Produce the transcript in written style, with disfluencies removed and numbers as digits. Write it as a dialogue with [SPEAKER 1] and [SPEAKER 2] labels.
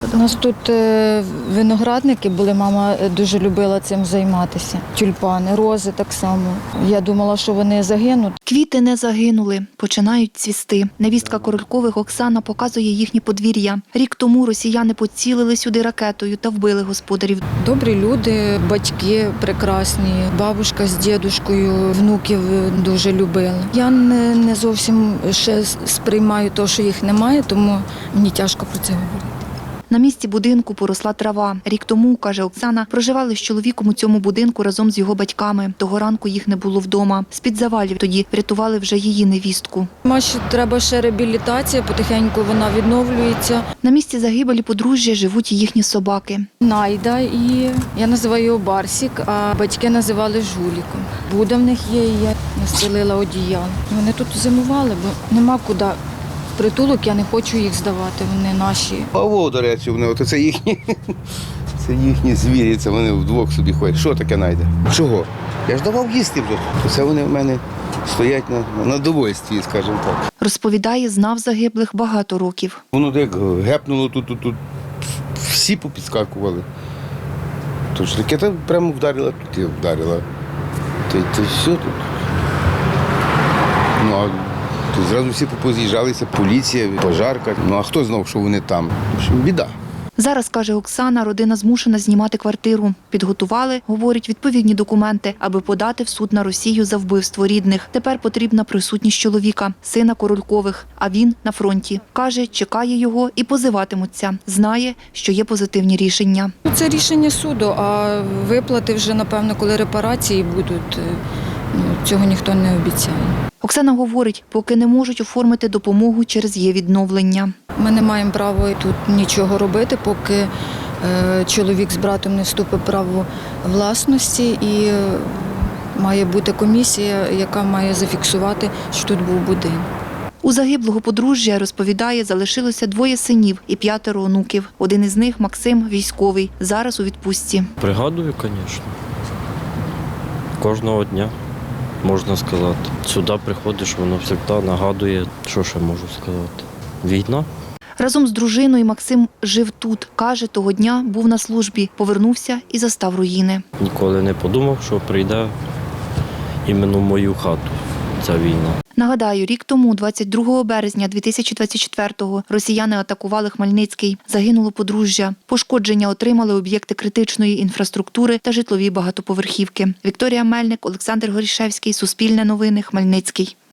[SPEAKER 1] У нас тут виноградники були, мама дуже любила цим займатися. Тюльпани, рози так само. Я думала, що вони загинуть.
[SPEAKER 2] Квіти не загинули, починають цвісти. Невістка Королькових Оксана показує їхнє подвір'я. Рік тому росіяни поцілили сюди ракетою та вбили господарів.
[SPEAKER 1] Добрі люди, батьки прекрасні, бабушка з дідушкою, внуків дуже любили. Я не зовсім ще сприймаю те, що їх немає, тому мені тяжко про це говорити.
[SPEAKER 2] На місці будинку поросла трава. Рік тому, каже Оксана, проживали з чоловіком у цьому будинку разом з його батьками. Того ранку їх не було вдома. З-під завалів тоді врятували вже її невістку.
[SPEAKER 1] Маші треба ще реабілітація, потихеньку вона відновлюється.
[SPEAKER 2] На місці загибелі подружжя живуть і їхні собаки.
[SPEAKER 1] Найда і я називаю його Барсік, а батьки називали Жуліком. Буда в них є, і я настелила одіяло. Вони тут зимували, бо нема куди. Притулок, я не хочу їх здавати, вони наші.
[SPEAKER 3] Павло, до речі, вони, це їхні звірі, це вони вдвох собі ходять. Що таке найде? Чого? Я ж давав їсти вже. Це вони в мене стоять на довольстві, скажімо так.
[SPEAKER 2] Розповідає, знав загиблих багато років.
[SPEAKER 3] Воно як гепнуло тут, всі попідскакували. Тож ракета прямо вдарила, тут і вдарила. Та все тут. Ну, а тут зразу всі поз'їжджалися, поліція, пожарка. Ну а хто знав, що вони там? В общем, біда.
[SPEAKER 2] Зараз, каже Оксана, родина змушена знімати квартиру. Підготували, говорить, відповідні документи, аби подати в суд на Росію за вбивство рідних. Тепер потрібна присутність чоловіка, сина Королькових, а він на фронті. Каже, чекає його і позиватимуться. Знає, що є позитивні рішення.
[SPEAKER 1] Це рішення суду, а виплати вже, напевно, коли репарації будуть, цього ніхто не обіцяє.
[SPEAKER 2] Оксана говорить, поки не можуть оформити допомогу через є-відновлення.
[SPEAKER 1] Ми не маємо права тут нічого робити, поки чоловік з братом не вступить в право власності і має бути комісія, яка має зафіксувати, що тут був будинок.
[SPEAKER 2] У загиблого подружжя, розповідає, залишилося 2 синів і 5 онуків. Один із них – Максим, військовий, зараз у відпустці.
[SPEAKER 4] Пригадую, звісно. Кожного дня, можна сказати. Сюди приходиш, воно завжди нагадує, що ще можу сказати. Війна.
[SPEAKER 2] Разом з дружиною Максим жив тут. Каже, того дня був на службі, повернувся і застав руїни.
[SPEAKER 4] Ніколи не подумав, що прийде іменно в мою хату ця війна.
[SPEAKER 2] Нагадаю, рік тому, 22 березня 2024-го, росіяни атакували Хмельницький. Загинуло подружжя. Пошкодження отримали об'єкти критичної інфраструктури та житлові багатоповерхівки. Вікторія Мельник, Олександр Горішевський, Суспільне новини, Хмельницький.